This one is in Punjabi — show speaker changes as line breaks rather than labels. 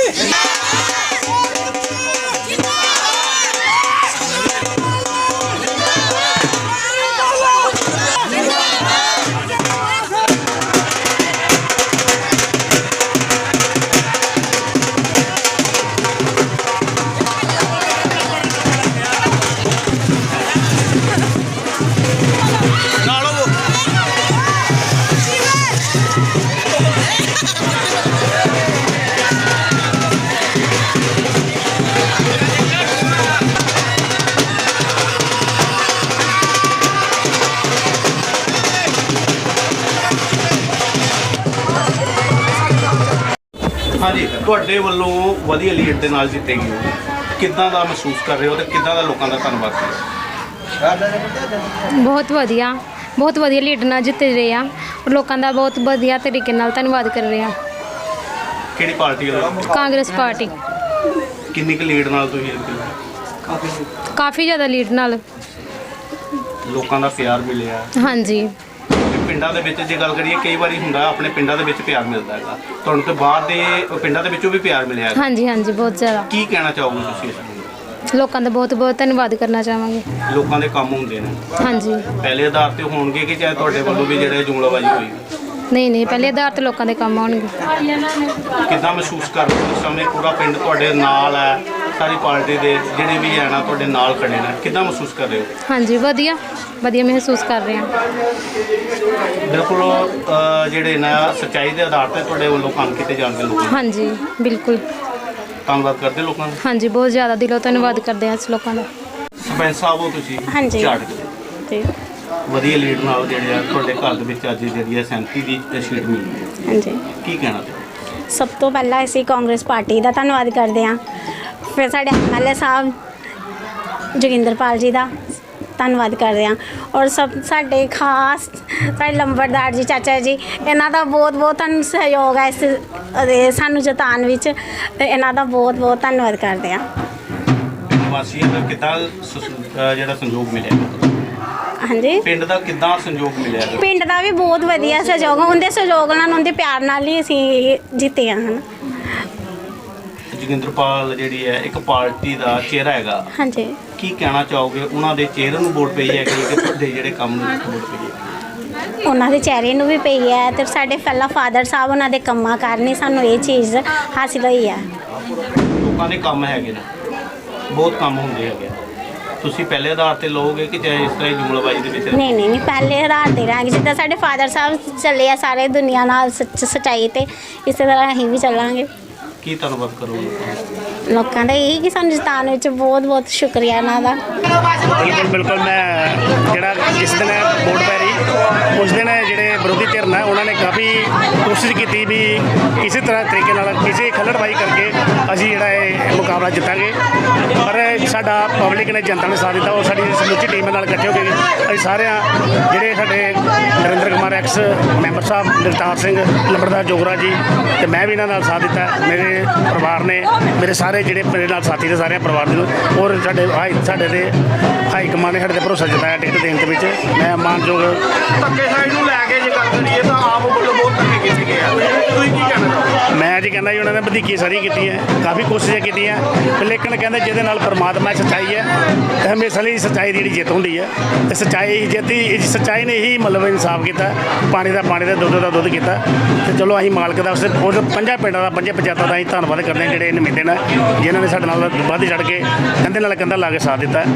हाँ जी, ਤੁਹਾਡੇ ਵੱਲੋਂ ਵਧੀਆ ਲੀਡ ਦੇ ਨਾਲ ਜਿੱਤੇ ਗਏ ਹੋ, ਕਿੱਦਾਂ ਦਾ ਮਹਿਸੂਸ ਕਰ ਰਹੇ ਹੋ ਤੇ ਕਿੱਦਾਂ ਦਾ ਲੋਕਾਂ ਦਾ ਧੰਨਵਾਦ ਕਰ ਰਹੇ ਹੋ?
ਬਹੁਤ ਵਧੀਆ ਲੀਡ ਨਾਲ ਜਿੱਤ ਰਹੇ ਆ ਔਰ ਲੋਕਾਂ ਦਾ ਬਹੁਤ ਵਧੀਆ ਤਰੀਕੇ ਨਾਲ ਧੰਨਵਾਦ ਕਰ ਰਹੇ ਆ।
ਕਿਹੜੀ ਪਾਰਟੀ ਵੱਲੋਂ?
ਕਾਂਗਰਸ ਪਾਰਟੀ।
ਕਿੰਨੀ ਕੁ ਲੀਡ ਨਾਲ ਤੁਸੀਂ ਜਿੱਤੇ?
ਕਾਫੀ ਜ਼ਿਆਦਾ ਲੀਡ ਨਾਲ।
ਲੋਕਾਂ ਦਾ ਪਿਆਰ ਮਿਲਿਆ?
ਹਾਂਜੀ।
ਪਿੰਡਾਂ ਦੇ ਵਿੱਚ ਜੇ ਗੱਲ ਕਰੀਏ, ਕਈ ਵਾਰੀ ਹੁੰਦਾ ਆਪਣੇ ਪਿੰਡਾਂ ਦੇ ਵਿੱਚ ਪਿਆਰ ਮਿਲਦਾ ਹੈਗਾ, ਤੁਹਾਨੂੰ ਤੇ ਬਾਹਰ ਦੇ ਪਿੰਡਾਂ ਦੇ ਵਿੱਚੋਂ ਵੀ ਪਿਆਰ ਮਿਲਿਆ ਹੈਗਾ।
ਹਾਂਜੀ ਹਾਂਜੀ, ਬਹੁਤ ਜ਼ਿਆਦਾ।
ਕੀ ਕਹਿਣਾ ਚਾਹੋਗੇ ਤੁਸੀਂ ਇਸ ਨੂੰ?
ਲੋਕਾਂ ਦਾ ਬਹੁਤ ਬਹੁਤ ਧੰਨਵਾਦ ਕਰਨਾ ਚਾਹਾਂਗੇ।
ਲੋਕਾਂ ਦੇ ਕੰਮ ਹੁੰਦੇ ਨੇ
ਹਾਂਜੀ।
ਪਹਿਲੇ ਆਧਾਰ ਤੇ ਹੋਣਗੇ ਕਿ ਚਾਹੇ ਤੁਹਾਡੇ ਵੱਲੋਂ ਵੀ ਜਿਹੜੇ ਜੁਮਲਾਬਾਜ਼ੀ ਹੋਈ?
ਨਹੀਂ, ਪਹਿਲੇ ਆਧਾਰ ਤੇ ਲੋਕਾਂ ਦੇ ਕੰਮ ਆਉਣਗੇ।
ਕਿੱਦਾਂ ਮਹਿਸੂਸ ਕਰ ਰਹੇ ਹੋ ਇਸ ਸਮੇਂ? ਪੂਰਾ ਪਿੰਡ ਤੁਹਾਡੇ ਨਾਲ ਹੈ, ਸਾਰੀ ਪਾਰਟੀ ਦੇ ਜਿਹੜੇ ਵੀ ਹੈ ਨਾ ਤੁਹਾਡੇ ਨਾਲ ਖੜੇ ਨੇ, ਕਿੱਦਾਂ ਮਹਿਸੂਸ ਕਰ ਰਹੇ ਹੋ?
ਹਾਂਜੀ, ਵਧੀਆ ਮਹਿਸੂਸ ਕਰ ਰਹੇ ਹਾਂ।
ਬਿਲਕੁਲ, ਜਿਹੜੇ ਨਾ ਸੱਚਾਈ ਦੇ ਆਧਾਰ ਤੇ ਤੁਹਾਡੇ ਵੱਲੋਂ ਕੰਮ ਕੀਤੇ ਜਾਣਗੇ ਲੋਕਾਂ?
ਹਾਂਜੀ, ਬਿਲਕੁਲ।
ਧੰਨਵਾਦ ਕਰਦੇ ਲੋਕਾਂ ਦਾ?
ਹਾਂਜੀ, ਬਹੁਤ ਜ਼ਿਆਦਾ ਦਿਲੋਂ ਧੰਨਵਾਦ ਕਰਦੇ ਹਾਂ ਇਸ ਲੋਕਾਂ ਦਾ।
ਸਰਪੰਚ ਸਾਹਿਬ ਹੋ ਤੁਸੀਂ?
ਹਾਂਜੀ ਜੀ।
ਵਧੀਆ ਲੀਡ ਨਾਲ ਜਿਹੜੇ ਆ ਤੁਹਾਡੇ ਘਰ ਦੇ ਵਿੱਚ ਅੱਜ ਜਿਹੜੀ ਹੈ 37 ਦੀ ਸੀਟ ਮਿਲੀ ਹੈ।
ਹਾਂਜੀ।
ਕੀ ਕਹਿਣਾ?
ਸਭ ਤੋਂ ਪਹਿਲਾਂ ਅਸੀਂ ਕਾਂਗਰਸ ਪਾਰਟੀ ਦਾ ਧੰਨਵਾਦ ਕਰਦੇ ਹਾਂ, ਫਿਰ ਸਾਡੇ MLA ਸਾਹਿਬ ਜੋਗਿੰਦਰਪਾਲ ਜੀ ਦਾ ਧੰਨਵਾਦ ਕਰਦੇ ਹਾਂ, ਔਰ ਸਾਡੇ ਖਾਸ ਸਾਡੇ ਲੰਬੜਦਾਰ ਜੀ ਚਾਚਾ ਜੀ, ਇਹਨਾਂ ਦਾ ਬਹੁਤ ਬਹੁਤ ਤੁਹਾਨੂੰ ਸਹਿਯੋਗ ਹੈ ਇਸ ਸਾਨੂੰ ਜਿਤਾਉਣ ਵਿੱਚ, ਤੇ ਇਹਨਾਂ ਦਾ ਬਹੁਤ ਬਹੁਤ ਧੰਨਵਾਦ ਕਰਦੇ ਹਾਂ।
ਵਾਸੀਆਂ ਦਾ ਕਿੱਦਾਂ ਜਿਹੜਾ ਸੰਯੋਗ ਮਿਲਿਆ?
ਹਾਂਜੀ,
ਪਿੰਡ ਦਾ ਕਿੱਦਾਂ ਸੰਯੋਗ ਮਿਲਿਆ?
ਪਿੰਡ ਦਾ ਵੀ ਬਹੁਤ ਵਧੀਆ ਸਹਿਯੋਗ, ਉਹਦੇ ਸਹਿਯੋਗ ਨਾਲ ਉਹਦੇ ਪਿਆਰ ਨਾਲ ਹੀ ਅਸੀਂ ਜਿੱਤੇ ਹਾਂ।
ਜੋਗਿੰਦਰਪਾਲ ਜਿਹੜੀ ਹੈ ਇੱਕ ਪਾਰਟੀ ਦਾ ਚਿਹਰਾ ਹੈਗਾ।
ਹਾਂਜੀ।
ਕੀ ਕਹਿਣਾ ਚਾਹੋਗੇ? ਉਹਨਾਂ ਦੇ ਚਿਹਰੇ ਨੂੰ ਵੋਟ ਪਈ ਹੈ ਕਿ ਤੁਹਾਡੇ ਜਿਹੜੇ ਕੰਮ ਨੂੰ ਵੋਟ ਪਈ ਹੈ?
ਉਹਨਾਂ ਦੇ ਚਿਹਰੇ ਨੂੰ ਵੀ ਪਈ ਹੈ, ਤੇ ਸਾਡੇ ਪਹਿਲਾਂ ਫਾਦਰ ਸਾਹਿਬ ਉਹਨਾਂ ਦੇ ਕੰਮਾਂ ਕਾਰਨ ਹੀ ਸਾਨੂੰ ਇਹ ਚੀਜ਼ ਹਾਸਿਲ ਹੋਈ ਹੈ।
ਲੋਕਾਂ ਦੇ ਕੰਮ ਹੈਗੇ ਨੇ, ਬਹੁਤ ਕੰਮ ਹੁੰਦੇ ਹੈਗੇ, ਤੁਸੀਂ ਪਹਿਲੇ ਆਧਾਰ ਤੇ ਲਓਗੇ ਕਿ ਚਾਹੇ ਇਸ ਤਰ੍ਹਾਂ ਹੀ ਜੁਮਲਾਬਾਜ਼ੀ ਦੇ ਵਿੱਚ?
ਨਹੀਂ, ਪਹਿਲੇ ਆਧਾਰ ਤੇ ਰਹਾਂਗੇ, ਜਿੱਦਾਂ ਸਾਡੇ ਫਾਦਰ ਸਾਹਿਬ ਚੱਲੇ ਆ ਸਾਰੇ ਦੁਨੀਆ ਨਾਲ ਸੱਚਾਈ ਤੇ, ਇਸੇ ਤਰ੍ਹਾਂ ਅਸੀਂ ਵੀ ਚੱਲਾਂਗੇ।
ਕੀ ਧੰਨਵਾਦ ਕਰੋਗੇ
ਲੋਕਾਂ ਦਾ? ਇਹੀ ਕਿ ਸਾਨੂੰ ਜਿਤਾਉਣ ਵਿੱਚ ਬਹੁਤ ਬਹੁਤ ਸ਼ੁਕਰੀਆ ਇਹਨਾਂ ਦਾ।
ਬਿਲਕੁਲ ਮੈਂ ਜਿਹੜਾ ਜਿਸ ਦਿਨ ਵੋਟ ਪੈ ਰਹੀ ਉਸ ਦਿਨ ਜਿਹੜੇ ਵਿਰੋਧੀ ਧਿਰ ਨੇ ਉਹਨਾਂ ਨੇ ਕਾਫੀ ਕੋਸ਼ਿਸ਼ ਕੀਤੀ ਵੀ ਕਿਸੇ ਤਰ੍ਹਾਂ ਤਰੀਕੇ ਨਾਲ ਕਿਸੇ ਖੱਲੜਬਾਜ਼ੀ ਕਰਕੇ ਅਸੀਂ ਜਿਹੜਾ ਇਹ ਮੁਕਾਬਲਾ ਜਿੱਤਾਂਗੇ, ਪਰ ਸਾਡਾ ਪਬਲਿਕ ਨੇ, ਜਨਤਾ ਨੇ ਸਾਥ ਦਿੱਤਾ, ਔਰ ਸਾਡੀ ਸਮੁੱਚੀ ਟੀਮ ਨਾਲ ਇਕੱਠੇ ਹੋ ਕੇ ਅਸੀਂ ਸਾਰਿਆਂ ਜਿਹੜੇ ਸਾਡੇ ਨਰਿੰਦਰ ਕੁਮਾਰ ਐਕਸ ਮੈਂਬਰ ਸਾਹਿਬ, ਜਗਤਾਰ ਸਿੰਘ ਲੰਬੜਦਾਰ ਜੋਗਰਾ ਜੀ, ਤੇ ਮੈਂ ਵੀ ਇਹਨਾਂ ਨਾਲ ਸਾਥ ਦਿੱਤਾ, ਮੇਰੇ ਪਰਿਵਾਰ ਨੇ, ਮੇਰੇ ਸਾਰੇ ਜਿਹੜੇ ਮੇਰੇ ਨਾਲ ਸਾਥੀ ਨੇ ਸਾਰੇ ਪਰਿਵਾਰ ਦੇ, ਔਰ ਸਾਡੇ ਦੇ ਹਾਈ ਕਮਾਂਡ ਨੇ ਸਾਡੇ ਤੇ ਭਰੋਸਾ ਜਤਾਇਆ ਟਿਕਟ ਦੇਣ ਦੇ ਵਿੱਚ। ਮੈਂ ਮਾਨਯੋਗ
ਧੱਕੇ ਸਾਈਡ ਨੂੰ ਲੈ ਕੇ ਜੇ ਗੱਲ ਕਰੀਏ ਤਾਂ ਆਪ ਵੱਲੋਂ ਬਹੁਤ ਧੱਕੇ ਕੀਤੇ ਗਏ ਆ, ਤੁਸੀਂ ਕੀ ਕਹਿਣਾ ਚਾਹੋਗੇ?
ਮੈਂ ਜੀ ਕਹਿੰਦਾ ਜੀ ਉਹਨਾਂ ਨੇ ਵਧੀਕੀ ਸਾਰੀ ਕੀਤੀ ਹੈ, ਕਾਫੀ ਕੋਸ਼ਿਸ਼ਾਂ ਕੀਤੀਆਂ, ਲੇਕਿਨ ਕਹਿੰਦੇ ਜਿਹਦੇ ਨਾਲ ਪਰਮਾਤਮਾ ਸੱਚਾਈ ਹੈ, ਹਮੇਸ਼ਾ ਲਈ ਸੱਚਾਈ ਦੀ ਜਿਹੜੀ ਜਿੱਤ ਹੁੰਦੀ ਹੈ, ਤੇ ਸੱਚਾਈ ਜਿੱਤੀ, ਸੱਚਾਈ ਨੇ ਹੀ ਮਤਲਬ ਇਨਸਾਫ ਕੀਤਾ, ਪਾਣੀ ਦਾ ਪਾਣੀ, ਦਾ ਦੁੱਧ ਕੀਤਾ। ਤੇ ਚਲੋ ਅਸੀਂ ਮਾਲਕ ਦਾ ਉਸ ਪੰਜਾਂ ਪਿੰਡਾਂ ਦਾ, ਪੰਜੇ ਪੰਚਾਇਤਾਂ ਦਾ ਅਸੀਂ ਧੰਨਵਾਦ ਕਰਦੇ ਹਾਂ ਜਿਹੜੇ ਨੁਮਾਇੰਦੇ ਨੇ, ਜਿਨ੍ਹਾਂ ਨੇ ਸਾਡੇ ਨਾਲ ਵੱਧ ਚੜ੍ਹ ਕੇ ਕੰਧੇ ਨਾਲ ਕੰਧਾ ਲਾ ਕੇ ਸਾਥ ਦਿੱਤਾ।